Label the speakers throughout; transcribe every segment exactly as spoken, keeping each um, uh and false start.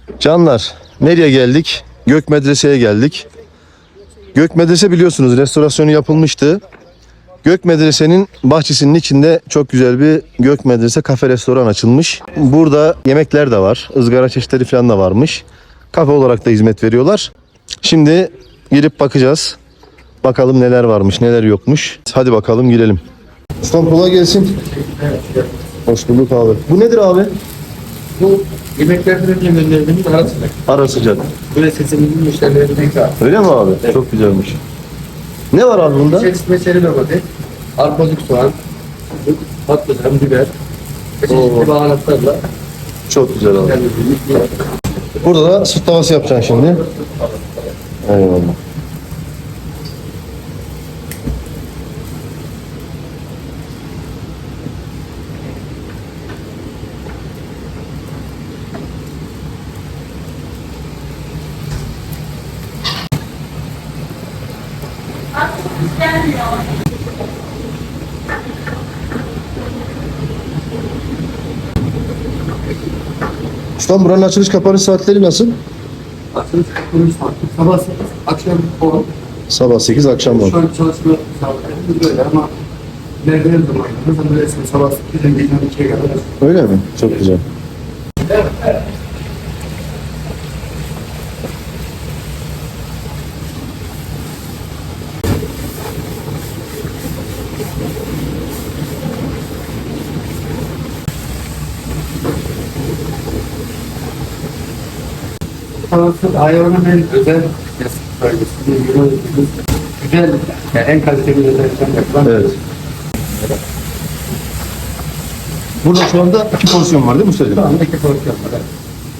Speaker 1: Canlar, nereye geldik? Gök Medrese'ye geldik. Gök Medrese biliyorsunuz restorasyonu yapılmıştı. Gök Medrese'nin bahçesinin içinde çok güzel bir Gök Medrese kafe restoran açılmış. Burada yemekler de var. Izgara çeşitleri falan da varmış. Kafe olarak da hizmet veriyorlar. Şimdi girip bakacağız. Bakalım neler varmış, neler yokmuş. Hadi bakalım girelim. Ustam kolay gelsin. Hoş bulduk abi. Bu nedir abi?
Speaker 2: Bu yemeklerden gönderdiğimiz ara sıcak.
Speaker 1: Ara sıcak.
Speaker 2: Böyle sesimizin müşterilerine ikram.
Speaker 1: Öyle mi abi?
Speaker 2: Evet.
Speaker 1: Çok güzelmiş. Ne var abi bunda?
Speaker 2: İçerisinde seri domates, arpacık soğan, patlıcan, biber ve
Speaker 1: Oo.
Speaker 2: çeşitli baharatlarla
Speaker 1: Çok güzel abi.
Speaker 2: kendimizi yiyoruz.
Speaker 1: Burada da süt tavası yapacaksın şimdi. Eyvallah. Ustam buranın açılış kapanış saatleri nasıl?
Speaker 2: Açılış kuruluş saati sabah sekiz, akşam on.
Speaker 1: Sabah sekiz, akşam on.
Speaker 2: Şu an çalışma saatlerimiz böyle ama ilerleyen zamanlarda böyle sabah sekizden gece on ikiye kadar.
Speaker 1: Öyle mi? Çok güzel.
Speaker 2: Sanatçı hayvanın en özel bölgesi. Güzel, yani en kaliteli özellikten yapılan.
Speaker 1: Evet. Burada şu anda iki porsiyon var değil mi
Speaker 2: Şu
Speaker 1: ustacığım?
Speaker 2: anda iki porsiyon var. Evet.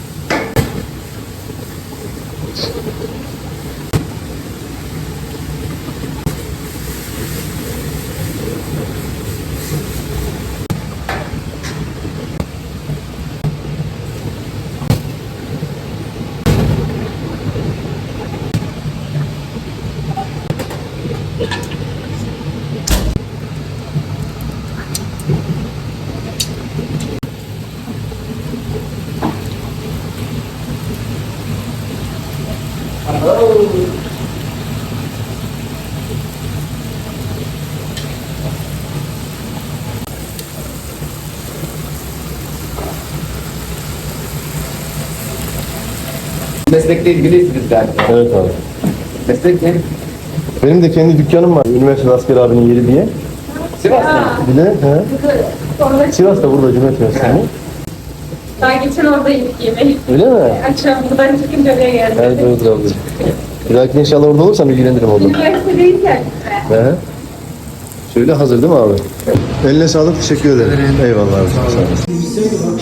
Speaker 2: Meslekle ilgiliyiz galiba.
Speaker 1: Evet abi.
Speaker 2: Meslek ne?
Speaker 1: Benim de kendi dükkanım var. Üniversite Asker abinin yeri diye.
Speaker 2: Sivas'ta.
Speaker 1: Bir de he.
Speaker 3: Orada
Speaker 1: Sivas'ta burada Cumhuriyet Üniversitesi.
Speaker 3: daha geçen orada yedik yemeği.
Speaker 1: Öyle mi?
Speaker 3: Akşam buradan çıkınca oraya geldim.
Speaker 1: Evet evet abi. Bir dahaki inşallah orada olursam ilgilenirim orada.
Speaker 3: Üniversitedeyken.
Speaker 1: He. Şöyle hazır değil mi abi? Eline sağlık, teşekkür ederim. Eyvallah abi. Sağ olasın.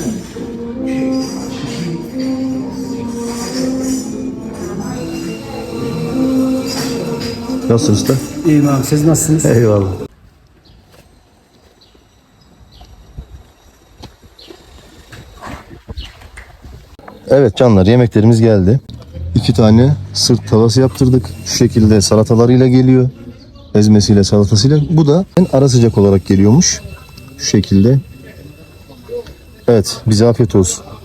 Speaker 1: Nasılsın usta?
Speaker 4: İyiyim abi, siz nasılsınız?
Speaker 1: Eyvallah. Evet canlar, yemeklerimiz geldi. İki tane sırt tavası yaptırdık. Şu şekilde salatalarıyla geliyor. Ezmesiyle, salatasıyla. Bu da en ara sıcak olarak geliyormuş. Şu şekilde. Evet, bize afiyet olsun.